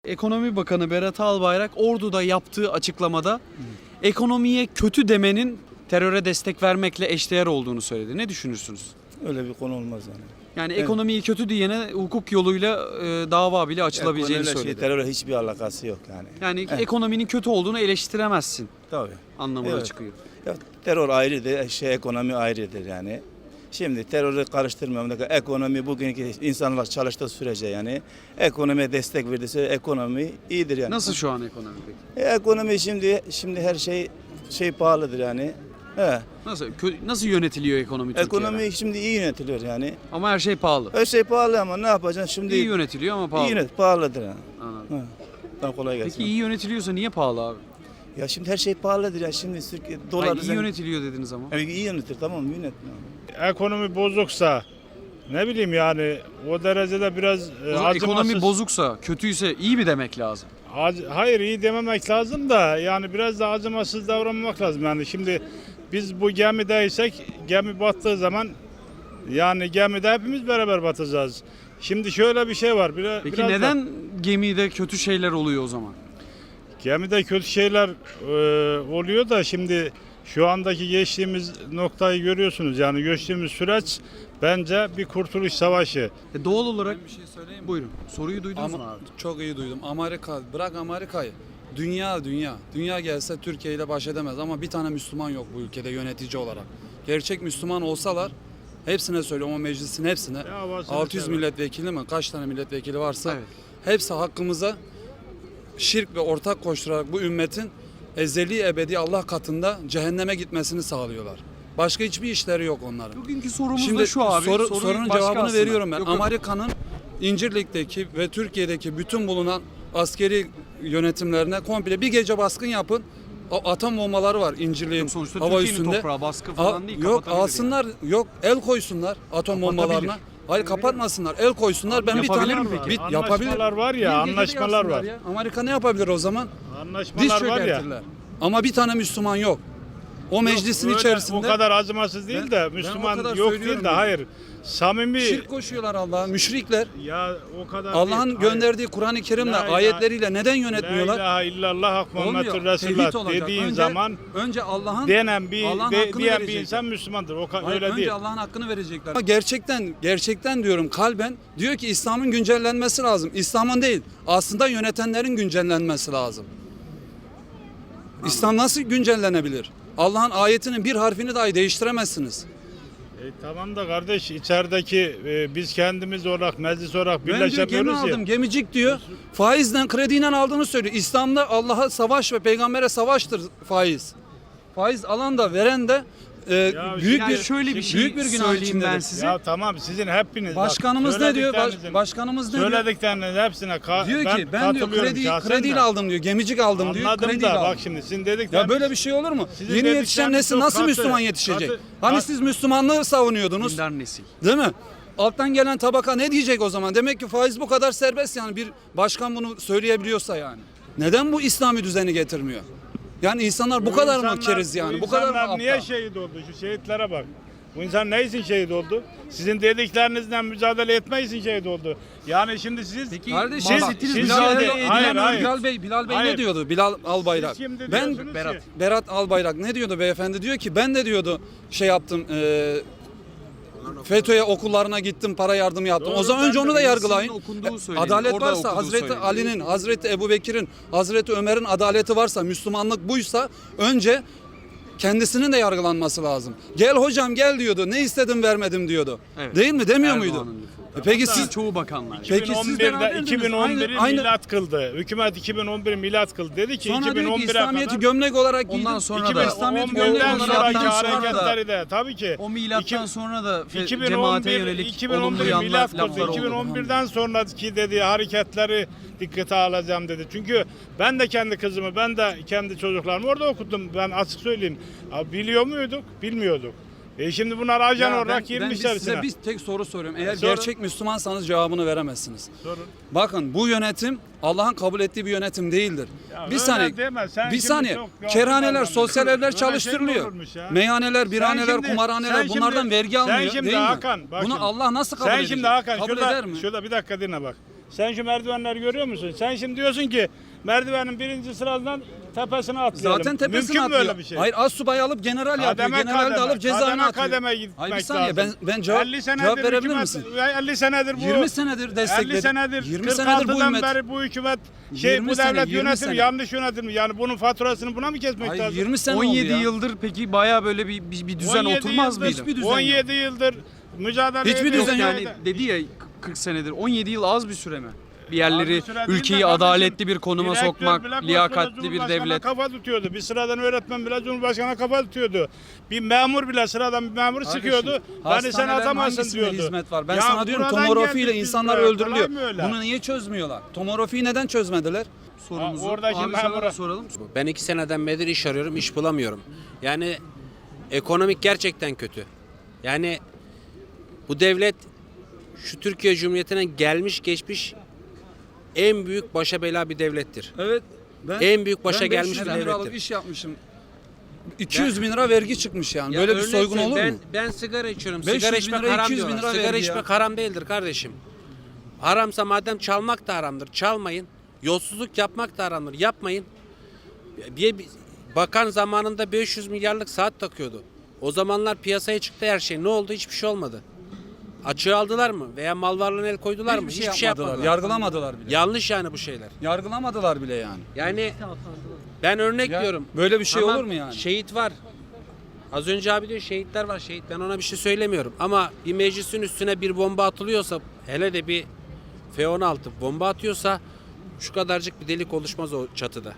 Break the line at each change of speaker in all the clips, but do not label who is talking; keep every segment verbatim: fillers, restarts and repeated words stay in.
Ekonomi Bakanı Berat Albayrak Ordu'da yaptığı açıklamada ekonomiye kötü demenin teröre destek vermekle eşdeğer olduğunu söyledi. Ne düşünürsünüz?
Öyle bir konu olmaz yani.
Yani ekonomiyi kötü diyene hukuk yoluyla e, dava bile açılabileceğini
Ekonomiyle
söyledi.
Şey, terörle hiçbir alakası yok yani.
Yani
Evet.
ekonominin kötü olduğunu eleştiremezsin
Tabii.
anlamına
Evet.
çıkıyor.
Ya, terör ayrıdır, şey, ekonomi ayrıdır yani. Şimdi terörü karıştırmıyorum. Ekonomi bugünkü insanlar çalıştığı sürece yani ekonomiye destek verdiyse ekonomi iyidir yani.
Nasıl şu an ekonomi peki?
E, ekonomi şimdi şimdi her şey şey pahalıdır yani. He.
Nasıl kö- nasıl yönetiliyor ekonomi Türkiye'de?
Ekonomi şimdi iyi yönetiliyor yani.
Ama her şey pahalı.
Her şey pahalı ama ne yapacaksın şimdi?
İyi yönetiliyor ama pahalı.
İyi yönet, pahalıdır yani.
Anladım.
He. Tamam, kolay gelsin.
Peki iyi yönetiliyorsa niye pahalı abi?
Ya şimdi her şey pahalıdır ya. Şimdi Türkiye dolar
Hayır, iyi
sen-
yönetiliyor dediniz ama.
Yani iyi yönetir, tamam mı? Yönet.
Ekonomi bozuksa ne bileyim yani o derecede biraz e,
O zaman ekonomi
acımasız.
bozuksa, kötüyse iyi mi demek lazım?
Ac- Hayır iyi dememek lazım da yani biraz da acımasız davranmak lazım. Yani şimdi biz bu gemideysek gemi battığı zaman yani gemide hepimiz beraber batacağız. Şimdi şöyle bir şey var. Biraz,
Peki
biraz da-
neden gemide kötü şeyler oluyor o zaman?
gemide kötü şeyler e, oluyor da şimdi şu andaki geçtiğimiz noktayı görüyorsunuz. Yani geçtiğimiz süreç bence bir kurtuluş savaşı.
E doğal olarak
Bir şey söyleyeyim mi?
buyurun. Soruyu duydunuz mu
Ama
abi?
çok iyi duydum. Amerika, bırak Amerika'yı. Dünya, dünya. Dünya gelse Türkiye ile baş edemez ama bir tane Müslüman yok bu ülkede yönetici olarak. Gerçek Müslüman olsalar hepsine söylüyorum o meclisin hepsine.
Ya varsa
altı yüz
mesela.
milletvekili mi? Kaç tane milletvekili varsa
Evet.
hepsi hakkımıza şirk ve ortak koşturarak bu ümmetin ezeli ebedi Allah katında cehenneme gitmesini sağlıyorlar. Başka hiçbir işleri yok onların.
Bugünkü sorumuz
Şimdi
da şu abi.
soru-
Soruyu
sorunun
başka
cevabını
aslında.
veriyorum ben.
Yok, yok.
Amerika'nın İncirlik'teki ve Türkiye'deki bütün bulunan askeri yönetimlerine komple bir gece baskın yapın. O atom bombaları var İncirlik'in
Yok, sonuçta
hava
Türkiye'nin
üstünde.
toprağı baskı falan
Al-
değil.
yok
kapatabilir
alsınlar, yok el koysunlar atom
Kapatabilir.
bombalarına. Hayır kapatmasınlar, el koysunlar. Ben bir
Yapabilir
tane
mi peki?
bir, yapabilir.
Anlaşmalar var ya,
Bir gecede
anlaşmalar
yapsınlar
var.
ya. Amerika ne yapabilir o zaman? Diz
Anlaşmalar var ya.
çökertirler. Ama bir tane Müslüman yok. O meclisin
Öyle
içerisinde
o kadar acımasız değil
Ben-
de
ben
Müslüman
o kadar
yok
söylüyorum
değil de
yani.
hayır. Samimi
şirk koşuyorlar Allah'a, müşrikler.
ya o kadar
Allah'ın
değil. Hayır.
gönderdiği Kur'an-ı Kerim'le,
La ilahe-
ayetleriyle neden
La
yönetmiyorlar?
ilahe illallah hak Muhammedur
Olmuyor. Tevhid
Resulullah
olacak.
dediğin
önce,
zaman
önce Allah'ın
denen bir
Allah'ın
de,
hakkını
diyen bir
verecekler.
insan Müslümandır. O ka-
Hayır,
öyle
önce
değil.
Allah'ın hakkını verecekler. Ama gerçekten gerçekten diyorum kalben diyor ki İslam'ın güncellenmesi lazım. İslam'ın değil. Aslında yönetenlerin güncellenmesi lazım. İslam nasıl güncellenebilir? Allah'ın ayetinin bir harfini dahi değiştiremezsiniz.
E, tamam da kardeş içerideki e, biz kendimiz olarak meclis olarak
Ben diyor gemi
birleşemiyoruz ya.
aldım, gemicik diyor. Faizden, krediyle aldığını söylüyor. İslam'da Allah'a savaş ve peygambere savaştır faiz. Faiz alan da veren de e,
Ya
büyük
Yani
bir
şöyle bir şey
büyük bir günah
söyleyeyim
içindedir.
ben size.
Ya tamam sizin hepiniz. bak,
Başkanımız ne diyor? Baş-
söylediklerinizin-
başkanımız ne diyor?
Söylediklerinizin hepsine ka-
Diyor
ben
ki ben diyor
katılıyorum
kredi
şahsen
krediyle
de.
aldım diyor. Gemicik aldım diyor.
Anladım
Krediyle
da
aldım.
bak şimdi sizin dedikleriniz.
Ya böyle bir şey olur mu?
Sizin
Yeni yetişen
dedikleriniz
nesil
çok
nasıl
katı,
Müslüman yetişecek?
katı.
Hani
Bak-
siz Müslümanlığı savunuyordunuz.
Dindar nesil.
Değil mi? Alttan gelen tabaka ne diyecek o zaman? Demek ki faiz bu kadar serbest yani bir başkan bunu söyleyebiliyorsa yani. Neden bu İslami düzeni getirmiyor? Yani insanlar bu, kadar mı
insanlar-
keriz yani? Bu, kadar mı
insanlar
aptal?
niye şehit oldu? Şu şehitlere bak. Bu insan ne için şehit oldu? Sizin dediklerinizle mücadele etme için şehit oldu. Yani şimdi siz
Peki
Kardeşim
Siz-
bak,
bahsettiğiniz
siz
mücadele
şimdi-
edilen
hayır, hayır.
Bilal Bey, Bilal Bey
Hayır.
ne diyordu? Bilal Albayrak.
Siz şimdi
Ben
diyorsunuz
Berat.
ki-
Berat Albayrak ne diyordu beyefendi? Diyor ki ben de diyordu şey yaptım e, FETÖ'ye okullarına gittim para yardımı yaptım.
Doğru,
o zaman
ben
önce
de
onu da
birisinin
yargılayın.
okunduğu
E,
söyleniyor,
Adalet
orada
varsa
okuduğu
Hazreti
söyleniyor.
Ali'nin, Hazreti Ebubekir'in, Hazreti Ömer'in adaleti varsa, Müslümanlık buysa önce kendisinin de yargılanması lazım. Gel hocam gel diyordu. Ne istedim vermedim diyordu.
Evet.
Değil mi? Demiyor
Erdoğan'ın
muydu?
lafı.
E peki
Hatta
siz
çoğu bakanlar.
Peki siz
2011'de
beraberdiniz.
2011'i
Aynı- aynı-
milat kıldı. Hükümet iki bin on bir milat kıldı. Dedi ki
sonra diyor ki
2011'e
İslamiyet'i
kadar
gömlek olarak giydim.
Ondan sonra da-
İslamiyet'i gömlek
iki bin on birden
olarak
sonraki
yaptıktan sonra da
hareketleri de tabii ki
O milattan
İki-
sonra da fe-
2011
cemaate yönelik olumlu
2011
yanlar
milat
laflar
kıldı.
oldu.
iki bin on birden sonraki dediği hareketleri dikkate alacağım dedi. Çünkü ben de kendi kızımı, ben de kendi çocuklarımı orada okuttum. Ben açık söyleyeyim. Abi biliyor muyduk? Bilmiyorduk. E şimdi bunlar ajan
Ya
olarak
ben, ben
girmişler
size
içine.
bir tek soru soruyorum. Eğer
Sorun.
gerçek Müslümansanız cevabını veremezsiniz.
Sorun.
Bakın bu yönetim Allah'ın kabul ettiği bir yönetim değildir.
Ya
bir
öyle
saniye.
deme, sen
Bir
şimdi
saniye.
çok yanlış
Kerhaneler,
anladın.
sosyal
Öyle
evler
şey mi
çalıştırılıyor.
olurmuş ya?
Meyhaneler, birhaneler,
Sen şimdi-
kumarhaneler
sen
bunlardan
şimdi-
vergi
sen
almıyor
şimdi
değil mi?
Hakan, bak
Bunu
şimdi.
Allah nasıl kabul
Sen
edecek?
şimdi Hakan
kabul
şurada,
eder mi?
şurada bir dakika dinle bak. Sen şu merdivenleri görüyor musun? Sen şimdi diyorsun ki merdivenin birinci sıradan tepesine atlayalım.
Zaten tepesine
Mümkün mü
atlıyor.
öyle bir şey?
Hayır, az subayı alıp general yapıyor.
Kademe
General de
kademe,
alıp cezaevine
kademe
atıyor.
kademe gitmek
Hayır, bir saniye, ben
lazım.
ben cevap,
elli senedir
cevap verebilir
hükümet-
misin?
elli senedir bu.
yirmi senedir destekledi.
elli senedir,
yirmi senedir bu
kırk altıdan
hükümet.
beri bu hükümet şey
yirmi
bu
sene,
devlet
yirmi
yönetim
sene.
yanlış yönetim. Yani bunun faturasını buna mı kesmek
Hayır,
lazım?
yirmi sene
on yedi
oldu ya.
yıldır peki baya böyle bir, bir, bir düzen
on yedi
oturmaz
yıldır-
mıydı?
Hiçbir düzen yok.
on yedi yıldır mücadele
Hiçbir
ediyoruz.
düzen
Yani
yok.
dedi ya kırk senedir on yedi yıl az bir süre mi? Bir yerleri
Az bir süre değil de
ülkeyi
kardeşim,
adaletli bir konuma
direktör
sokmak,
bile koskoca
liyakatli bir
Cumhurbaşkanı'na
devlet.
kafa tutuyordu. Bir sıradan öğretmen bile Cumhurbaşkanı'na kafa tutuyordu. Bir memur bile sıradan bir memur sıkıyordu. Beni sen
Hastanelerin
atamazsın
hangisinde
diyordu.
hizmet var? Ben
Ya
sana diyorum
buradan
tomografiyle
geldik biz
insanlar
buraya.
öldürülüyor.
Kolay mı öyle?
Bunu niye çözmüyorlar? Tomografiyi neden çözmediler?
Sorumuzu.
Ha, oradaki
Abi sana
memura-
da soralım.
Ben iki seneden beri iş arıyorum, iş bulamıyorum. Yani ekonomik gerçekten kötü. Yani bu devlet şu Türkiye Cumhuriyeti'ne gelmiş geçmiş en büyük başa bela bir devlettir.
Evet. Ben,
En büyük başa
ben
gelmiş
beş yüz
bir
bin liralık
devlettir.
iş yapmışım. iki yüz bin lira vergi çıkmış yani.
Ya
Böyle bir
örnek
soygun
söyleyeyim,
olur
ben,
mu?
Ben sigara içiyorum.
beş yüz
Sigara
bin
içmek
lira,
haram
iki yüz bin
diyorlar.
lira
Sigara
vergi
içmek
ya.
haram değildir kardeşim. Haramsa madem çalmak da haramdır. Çalmayın. Yolsuzluk yapmak da haramdır. Yapmayın. Bir, bir bakan zamanında beş yüz milyarlık saat takıyordu. O zamanlar piyasaya çıktı her şey. Ne oldu? Hiçbir şey olmadı. Açığı aldılar mı? Veya mal varlığına el koydular mı?
Hiçbir şey yapmadılar. Yargılamadılar bile.
Yanlış yani bu şeyler.
Yargılamadılar bile yani.
Yani ben örnek
Ya,
diyorum.
böyle bir şey
Tamam,
olur mu yani?
Şehit var. Az önce abi diyor şehitler var şehit. Ben ona bir şey söylemiyorum. Ama bir meclisin üstüne bir bomba atılıyorsa, hele de bir F on altı bomba atıyorsa şu kadarcık bir delik oluşmaz o çatıda.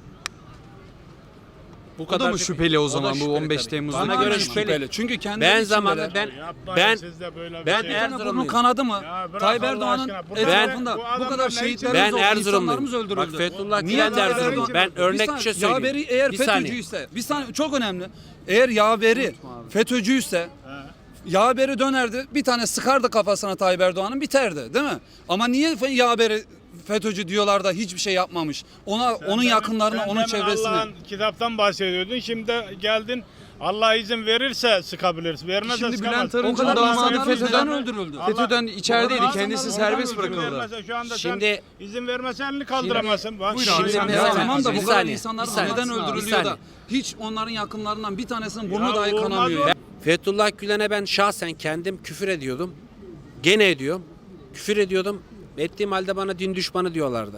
Bu
O da mı şüpheli o zaman bu
şüpheli
on beş
tabii.
Temmuz'da?
Bana
Aynen
göre şüpheli.
Çünkü kendi
Ben zamanında ben
Yapmayın
ben
siz de böyle bir
ben
şey.
eğer-
burnu
Erzurumluyum.
kanadı mı?
Ya bırak
Tayyip
Allah
Erdoğan'ın
aşkına. Bu
etrafında
adamlar- bu
bu
adamlar
kadar
ne
şehitlerimiz
Ben
oldu,
Erzurumluyum.
insanlarımız öldürüldü.
Bak Fethullah
Niye
Gülen de
Tayyip
Erzurumlu.
Erdoğan-
Ben örnek bir
saniye,
şey söyleyeyim.
Yaveri eğer
Bir saniye.
FETÖ'cüyse, bir saniye çok önemli. Eğer yaveri FETÖ'cüyse yaveri dönerdi bir tane sıkardı kafasına Tayyip Erdoğan'ın biterdi değil mi? Ama niye yaveri FETÖ'cü diyorlar da hiçbir şey yapmamış? Ona onun
demin-
yakınlarına,
sen
onun
demin
çevresine.
Allah'ın kitaptan bahsediyordun. Şimdi de geldin Allah izin verirse sıkabilirsin. Vermezse
Şimdi
sıkamazsın.
Bülent Arınç'ın
O kadar
damadı
insanlar
FETÖ'den
neden öldürüldü?
Allah-
FETÖ'den içerideydi.
Allah-
Kendisi
Allah-
serbest
Allah-
bırakıldı.
Vermezse Şu anda
Şimdi-
sen izin vermesen elini kaldıramazsın. Bak,
Buyur abi,
şimdi
sen
sen-
devam
Ya
et.
tamam da
Bir
bu kadar
saniye,
insanlar
bir saniye.
neden
Bir
öldürülüyor da
saniye.
hiç onların yakınlarından bir tanesinin burnu
Ya
dahi
olmaz
kanamıyor.
o.
ya.
Fethullah Gülen'e ben şahsen kendim küfür ediyordum. Gene ediyorum. Küfür ediyordum. Ettiğim halde bana din düşmanı diyorlardı.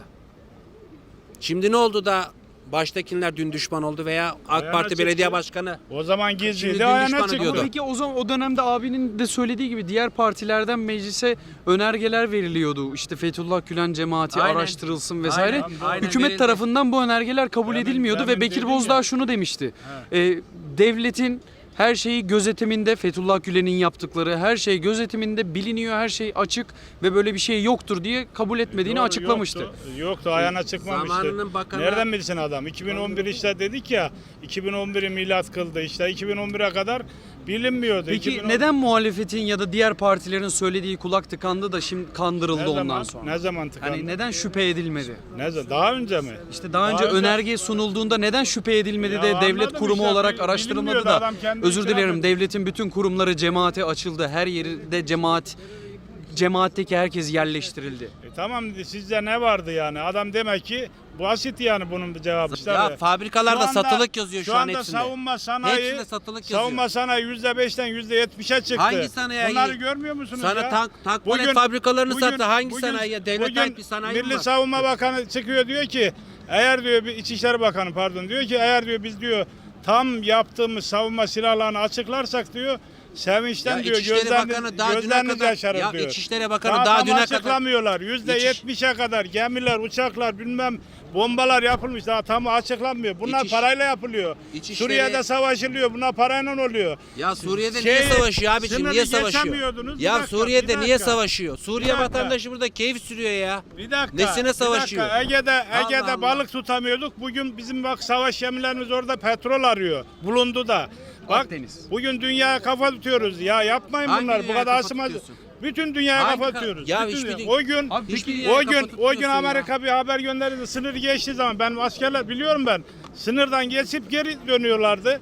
Şimdi ne oldu da baştakiler din düşman oldu veya AK
Ayağına
Parti belediye
çıktı.
başkanı
O zaman
Şimdi
gizliydi
din
ayağına
düşmanı
çıktı.
diyordu.
Peki o zaman o dönemde abinin de söylediği gibi diğer partilerden meclise önergeler veriliyordu. İşte Fethullah Gülen cemaati
Aynen.
araştırılsın vesaire.
Aynen, aynen
Hükümet
verildi.
tarafından bu önergeler kabul
Demin-
edilmiyordu
demin
ve Bekir
dedim
Bozdağ
ya.
şunu demişti. Ee, devletin her şeyi gözetiminde, Fethullah Gülen'in yaptıkları her şey gözetiminde biliniyor, her şey açık ve böyle bir şey yoktur diye kabul etmediğini
Doğru,
açıklamıştı.
Yoktu, yoktu ayağına çıkmamıştı.
Zamanının bakanı-
Nereden bilsin adam? iki bin on bir işte dedik ya, iki bin on biri milat kıldı işte. iki bin on bire kadar bilinmiyordu.
Peki
iki bin on
neden muhalefetin ya da diğer partilerin söylediği kulak tıkandı da şimdi kandırıldı
ne
ondan
zaman,
sonra?
Ne zaman tıkandı?
Hani neden şüphe edilmedi?
Ne zaman? Daha önce mi?
İşte daha önce
Daha önce-
önerge sunulduğunda neden şüphe edilmedi
Ya
de devlet
anladım
kurumu
işte,
olarak
bil-
araştırılmadı
bilinmiyordu,
da
adam kendi
özür
itiraf
dilerim
etti.
devletin bütün kurumları cemaate açıldı. Her yerinde cemaat cemaatteki herkes yerleştirildi.
E tamam sizde ne vardı yani? Adam demek ki basit yani bunun bir cevabı. İşte
ya
be.
fabrikalarda
Şu anda-
satılık yazıyor şu,
şu
an
anda
hepsinde.
savunma sanayi,
Hepsinde satılık yazıyor.
savunma sanayi yüzde beşten yüzde yetmişe çıktı.
Hangi sanayi?
Bunları görmüyor musunuz
Sana
ya?
tank- tank palet fabrikalarını sattı. Hangi
bugün-
sanayiye? Devlet
bugün
ait bir sanayi mi
Milli
var?
Savunma Bakanı çıkıyor diyor ki eğer diyor bir İçişleri Bakanı pardon diyor ki eğer diyor biz diyor tam yaptığımız savunma silahlarını açıklarsak diyor sevinçten
Ya
diyor
İçişleri
gözleriniz,
Bakanı daha düne
gözleriniz
kadar-
yaşarır
ya
diyor.
İçişleri Bakanı
daha,
daha
tam
düne kadar-
açıklamıyorlar. Yüzde yetmişe kadar gemiler, uçaklar bilmem bombalar yapılmış daha tam açıklanmıyor. Bunlar
İçiş-
parayla yapılıyor.
İçişleri-
Suriye'de savaşılıyor. Bunlar parayla oluyor.
Ya Suriye'de
Şey,
niye savaşıyor abiciğim?
sınırı
Niye savaşıyor?
geçemiyordunuz. Bir
Ya
dakika,
Suriye'de
bir
niye
dakika.
savaşıyor? Suriye
Bir dakika.
vatandaşı burada keyif sürüyor ya.
Bir dakika.
Nesine
bir
savaşıyor?
dakika. Ege'de Ege'de
Allah Allah.
balık tutamıyorduk. Bugün bizim bak savaş gemilerimiz orada petrol arıyor. Bulundu da. Bak
Akdeniz.
bugün dünyaya kafa tutuyoruz. Ya yapmayın
Hangi
bunlar. Bu
dünyaya
kadar
kafa
asılmaz.
tutuyorsun?
Bütün dünyaya
Hangi
kafa
ka-
tutuyoruz.
Ya
Bütün
hiçbir
dünya-
dü-
o gün
Abi
Hiçbir
peki
dünyaya
o gün
kafa
o gün
tutuyorsun ya.
Amerika bir haber gönderdi. Sınır geçtiği zaman ben askerler biliyorum ben. Sınırdan geçip geri dönüyorlardı.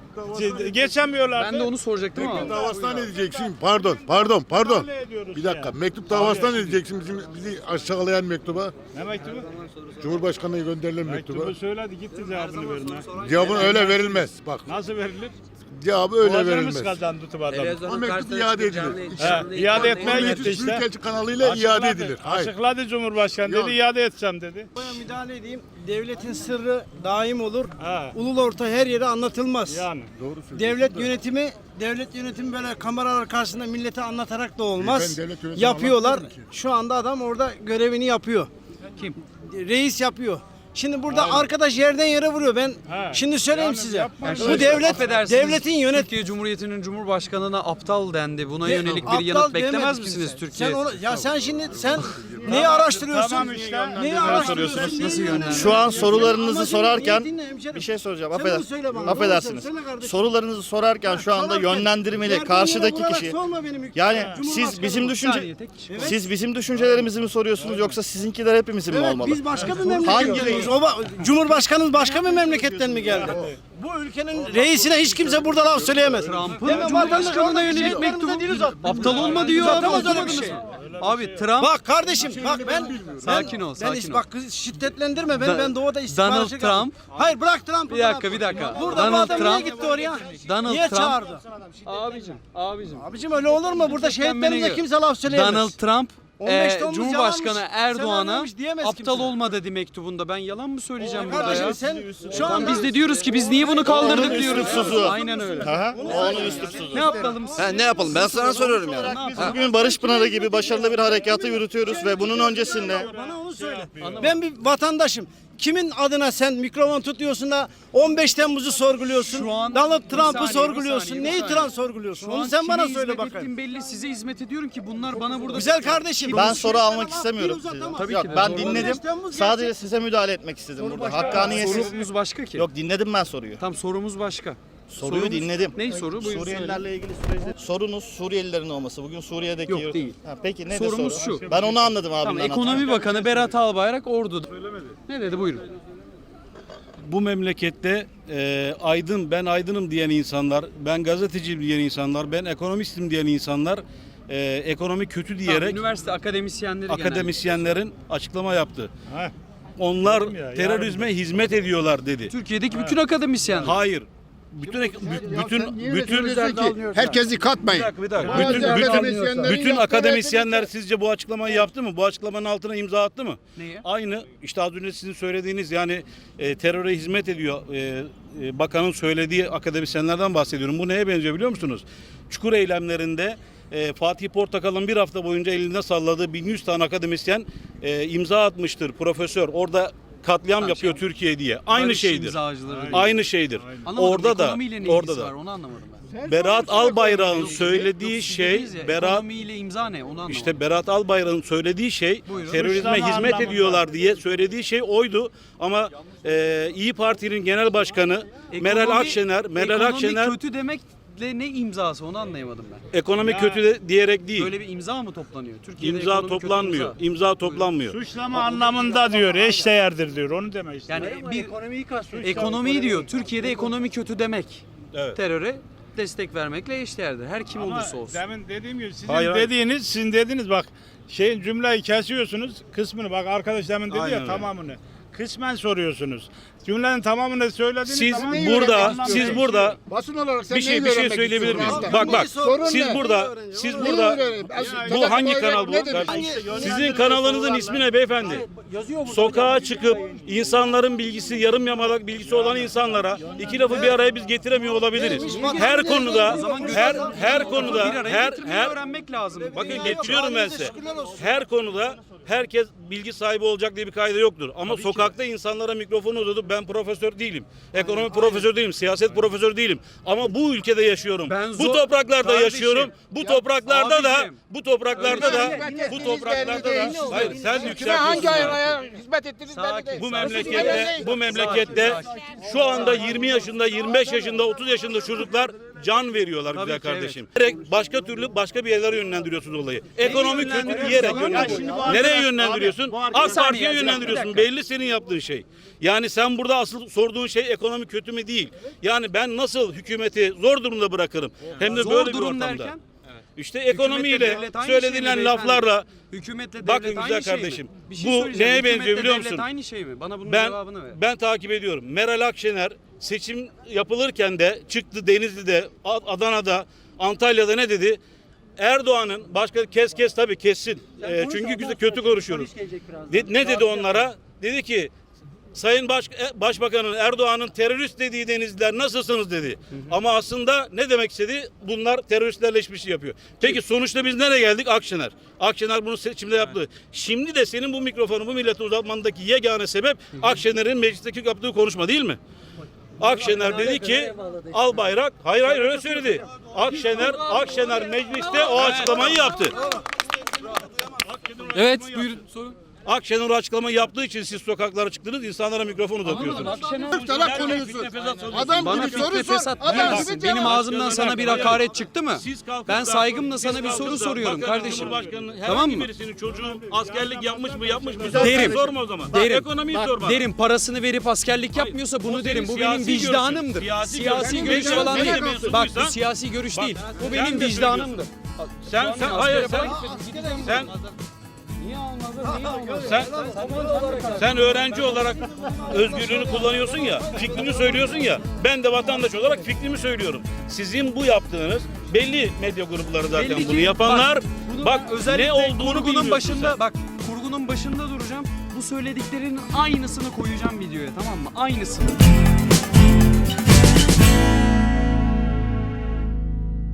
Geçemiyorlar.
Ben de onu soracaktım ama.
Mektup davasından ne diyeceksin? Pardon, pardon, pardon.
Müdahale ediyoruz
Bir dakika.
ya.
Mektup davasından ne diyeceksin bizim bizi aşağılayan mektuba?
Ne mektubu?
Cumhurbaşkanı'na gönderilen mektuba.
Mektubu söyledi gitti cevabını verme.
Cevabın öyle verilmez. Bak,
Nasıl verilir?
cevabı öyle
Boğazlarımız
verilmez.
kazandı tutup adamı.
O
Televizyonun
mektup
karşısına
iade
çıkıp
edilir.
canlı-
He,
canlı-
iade
canlı-
etmeye
canlı-
gitti işte.
Büyükelçi kanalıyla iade edilir. Hayır.
Açıkladı Cumhurbaşkanı dedi
Yok.
iade edeceğim dedi.
Buraya müdahale edeyim. Devletin sırrı daim olur.
Ha.
Ulul orta her yere anlatılmaz.
Yani.
Doğru söylüyorsun.
Devlet yönetimi devlet yönetimi böyle kameralar karşısında millete anlatarak da olmaz.
Ben devlet yönetimi
Yapıyorlar.
anlatmıyorum ki.
Şu anda adam orada görevini yapıyor.
Kim?
Reis yapıyor. Şimdi burada arkadaş yerden yere vuruyor. Ben
Ha.
şimdi söyleyeyim
Yani
size.
yapmayın.
Bu devlet
Affedersiniz,
devletin yönet
Türkiye Cumhuriyeti'nin Cumhurbaşkanı'na aptal dendi. Buna
De-
yönelik bir
aptal
yanıt beklemez
demedin
misiniz
sen.
Türkiye?
Sen onu, ya sen şimdi sen neyi araştırıyorsun?
Tamam işte.
Neyi
Ne
araştırıyorsun?
soruyorsunuz?
Nasıl yönlendiriyorsun?
Şu an sorularınızı
Amacın
sorarken
niyetin ne hemşerim?
bir şey soracağım.
Sen
Affeder,
bunu söyle bana,
affedersiniz.
doğru söyle kardeşim.
Sorularınızı sorarken şu anda
Sorarken
yönlendirmeli
yerden
karşıdaki
yere vurarak
kişi.
sorma benim hüküm-
Yani
Cumhurbaşkanı
siz bizim
bu.
düşünce
saniye, tek kişi.
Evet.
siz bizim düşüncelerimizi mi soruyorsunuz yoksa sizinkiler hepimizin mi
Evet,
olmalı?
biz başka bir
Hangi
memleketten
reis?
O ba- Cumhurbaşkanımız başka bir memleketten mi geldi? Bu ülkenin reisine hiç kimse burada laf söyleyemez.
Trump'ın
Hemen
Cumhurbaşkanı'na
vatandaş
yönelik
şehitlerimize
mektubu
dil uzat.
aptal olma diyor abi,
Uzatamaz öyle bir
okumadınız
şey.
mı? Abi Trump
Bak kardeşim bak ben
Sakin
ben,
ol,
ben
sakin
is-
ol.
Bak kız şiddetlendirme ben
Da-
ben doğuda istihbaratçı
Donald
kaldım.
Trump-
Hayır bırak Trump'ı.
Bir dakika, bir dakika.
Burada bu
Donald
adam
Trump-
niye gitti oraya?
Donald
niye
Trump-
çağırdı?
abicim, abicim.
Abicim öyle olur mu? Burada şehitlerimize kimse laf söyleyemez.
Donald Trump
on beş
e,
Temmuz
Cumhurbaşkanı
yalanmış,
Erdoğan'a
senaryoymuş diyemez
aptal
kimse.
olma dedi mektubunda. Ben yalan mı söyleyeceğim burada
Kardeşim
ya?
sen şu
Lan
anda
biz de diyoruz ki biz niye bunu kaldırdık
Onun
diyoruz.
üslupsuzu.
Aynen öyle.
Aha, onun üslupsuzu.
Ne yapalım?
Ha, ne yapalım? Ben sana soruyorum yani.
Biz bugün Barış Pınarı gibi başarılı bir harekatı yürütüyoruz ve bunun öncesinde
bana onu söyle. Ben bir vatandaşım. Kimin adına sen mikrofon tutuyorsun da on beş Temmuz'u sorguluyorsun?
Şu an-
Donald
Bir
Trump'ı
saniye, bir
sorguluyorsun.
saniye, bir
Neyi
saniye.
Trump sorguluyorsun?
Şu
Onu
an
sen bana
kime
söyle
hizmet
bakalım.
ettiğim belli. Size hizmet ediyorum ki bunlar bana burada...
Güzel kardeşim.
ben
bu
soru
şeylere
almak
laf
istemiyorum
dil
size.
uzatamaz.
Tabii
Yok,
ki de,
ben
doğru.
dinledim.
Temmuz
Sadece
gerçek.
size müdahale etmek istedim burada. Hakkaniyetsiz.
Sorumuz başka ki.
Yok, dinledim ben soruyu.
Tam sorumuz başka.
Soruyu
Sorumuz-
dinledim.
Ney soru? Buyurun söyle.
Suriyelilerle ilgili süreçte sorunuz Suriyelilerin olması. Bugün Suriye'deki
Yok, değil.
Ha, peki ne
Sorumuz
soru?
şu.
Ben onu anladım abi.
Tamam, Ekonomi Bakanı Berat Albayrak orduda. Ne dedi buyurun.
Bu memlekette e, aydın, ben aydınım diyen insanlar, ben gazeteciyim diyen insanlar, ben ekonomistim diyen insanlar e, ekonomi kötü
Tamam,
diyerek
üniversite akademisyenleri genelde.
akademisyenlerin açıklama yaptı.
Heh.
Onlar
Dedim ya,
terörizme hizmet ediyorlar dedi.
Türkiye'deki bütün akademisyenler.
Hayır. Bütün ek- bü- bütün bütün
Herkesi katmayın.
bir dakika, bir dakika.
Bazı
Bütün, bütün,
akademisyenlerin
bütün
yaptığı
akademisyenler sizce bu açıklamayı yaptı mı? Bu açıklamanın altına imza attı mı?
Neye?
Aynı işte az önce sizin söylediğiniz yani e, teröre hizmet ediyor e, e, bakanın söylediği akademisyenlerden bahsediyorum. Bu neye benziyor biliyor musunuz? Çukur eylemlerinde e, Fatih Portakal'ın bir hafta boyunca elinde salladığı bin yüz tane akademisyen e, imza atmıştır profesör. Orada katliam yapıyor Türkiye diye. Aynı
Barış
şeydir.
imzacıları.
Aynı şeydir.
Anlamadım,
Orada da
ekonomiyle ne
orada
ilgisi
da
var onu anlamadım ben.
Berat Albayrak'ın
Yok,
söylediği
siz
şey
dediniz ya,
Berat
ekonomiyle imza ne onu anlamadım.
işte Berat Albayrak'ın söylediği şey
Buyurun.
terörizme
Suçlama
hizmet
anlamında.
ediyorlar diye söylediği şey oydu ama e, İyi Parti'nin genel başkanı Meral
Ekonomi-
Akşener Meral
ekonomi
Akşener
kötü demekle ne imzası onu anlayamadım ben.
ekonomi kötü de diyerek değil.
Böyle bir imza mı toplanıyor? Türkiye'de
İmza
ekonomi kötü
toplanmıyor.
imza.
İmza toplanmıyor.
Suçlama anlamında diyor. Eşdeğerdir diyor. Onu demek istiyor.
Yani bir ekonomiyi diyor. Türkiye'de ekonomi kötü demek.
Evet.
Teröre destek vermekle eşdeğerdir. Her kim
Ama
olursa olsun.
demin dediğim gibi sizin
Hayır, hayır.
dediğiniz, sizin dediğiniz bak şeyin cümleyi kesiyorsunuz kısmını bak arkadaş demin dedi
Aynen
ya
öyle.
tamamını. Kısmen soruyorsunuz. Cümlenin tamamını söylediğiniz
Siz
zaman
burada
anlam
siz
değişiyor.
burada
Basın olarak sen
bir şey
neyi
bir şey
öğrenmek
söyleyebilir miyim?
istiyorsun?
Bak bak.
Sorun
Siz
ne?
burada
Neyi
siz
öğreniyor?
burada
Neyi öğreneyim?
bu hangi kanal bu?
Nedir?
Sizin kanalınızın ismi ne beyefendi? Sokağa çıkıp insanların bilgisi yarım yamalak bilgisi olan insanlara iki lafı bir araya biz getiremiyor olabiliriz. Her konuda her her konuda
bir araya
her
getirmeyi
her
öğrenmek lazım.
bakın getiriyorum ben size. Her konuda herkes bilgi sahibi olacak diye bir kaide yoktur. Ama sokakta insanlara mikrofonu uzatıp ben profesör değilim. Ekonomi profesörü değilim. Siyaset profesörü değilim. Ama bu ülkede yaşıyorum.
Ben
Bu
zor-
topraklarda
Kardeşim,
yaşıyorum. Bu topraklarda da
abicim.
bu topraklarda da bu topraklarda da hayır sen yükseltiyorsun.
hizmet ettiniz
Sakin.
Bu memlekette bu memlekette şu anda yirmi yaşında, yirmi beş yaşında, otuz yaşında çocuklar can veriyorlar
Tabii
güzel
ki,
kardeşim. Direkt başka türlü başka bir yerlere yönlendiriyorsunuz olayı. Ekonomi kötü
yönlendiriyorsun?
diyerek
Tamam.
yönlendiriyorsun. Nereye yönlendiriyorsun? AK Parti'ye yönlendiriyorsun. Belli senin yaptığın şey. Yani sen burada asıl sorduğun şey ekonomi kötü mü değil. Yani ben nasıl hükümeti zor durumda bırakırım? Hem de
Zor
böyle bir
durum
ortamda.
derken?
İşte
Hükümetle
ekonomiyle
devlet aynı şey mi
söylenilen
beyefendi?
laflarla
Hükümetle
bakın
devlet
güzel
aynı şey mi?
kardeşim.
Bir şey
Bu
söyleyeceğim.
neye
Hükümetle
benziyor biliyor
devlet
musun?
aynı şey mi? Bana bunun
Ben
cevabını ver.
ben takip ediyorum. Meral Akşener seçim yapılırken de çıktı Denizli'de, A- Adana'da, Antalya'da ne dedi? Erdoğan'ın başka kes kes tabii kessin. Ee, çünkü güzel kötü konuşuyoruz. De- ne dedi onlara? Dedi ki Sayın Baş, e, Başbakanın Erdoğan'ın terörist dediği Denizliler nasılsınız dedi. Ama aslında ne demek istedi? Bunlar teröristlerle işbirliği yapıyor. Peki sonuçta biz nereye geldik? Akşener. Akşener bunu seçimde yaptı. Şimdi de senin bu mikrofonu bu millete uzatmandaki yegane sebep Akşener'in meclisteki yaptığı konuşma değil mi? Akşener dedi ki al bayrak. Hayır hayır öyle söyledi. Akşener Akşener mecliste o açıklamayı yaptı.
Evet buyurun sorun.
Akşener o açıklamayı yaptığı için siz sokaklara çıktınız, insanlara mikrofon uzatıyorsunuz.
Muhtarak konuyorsun. Adam
Bana
gibi soru
fitne
sor.
fesat
Adam
diyemezsin.
gibi
Benim
cevap.
ağzımdan sana bir hakaret çıktı mı?
Siz kalkıp
Ben
da-
saygımla
siz
sana bir soru
kalkıp da
soruyorum
bakanın,
kardeşim.
Cumhurbaşkanının herhangi
Tamam mı?
birisinin çocuğu askerlik yapmış mı yapmış mı?
Derim.
Sorma o zaman.
Derim.
Ekonomiyi sor bana.
Derim parasını verip askerlik yapmıyorsa bunu
o
derim. Bu
senin
benim
siyasi
vicdanımdır.
görüşün. Siyasi
Siyasi
görüşün.
görüş
Sen
falan
medya
değil.
mensubuysan-
Bak bu siyasi görüş
Bak,
değil. Bu
sen
benim
de
vicdanımdır.
Sen sen hayır sen sen
Niye olmaz? Niye olmaz?
sen sen öğrenci olarak özgürlüğünü kullanıyorsun ya, fikrini söylüyorsun ya. Ben de vatandaş olarak fikrimi söylüyorum. Sizin bu yaptığınız belli medya grupları zaten
Belli ki-
bunu yapanlar.
Bak, bunu
Bak,
ben özellikle
ne olduğunu
kurgunun
bilmiyorsun
başında
sen.
bak kurgunun başında duracağım. Bu söylediklerinin aynısını koyacağım videoya tamam mı? Aynısını.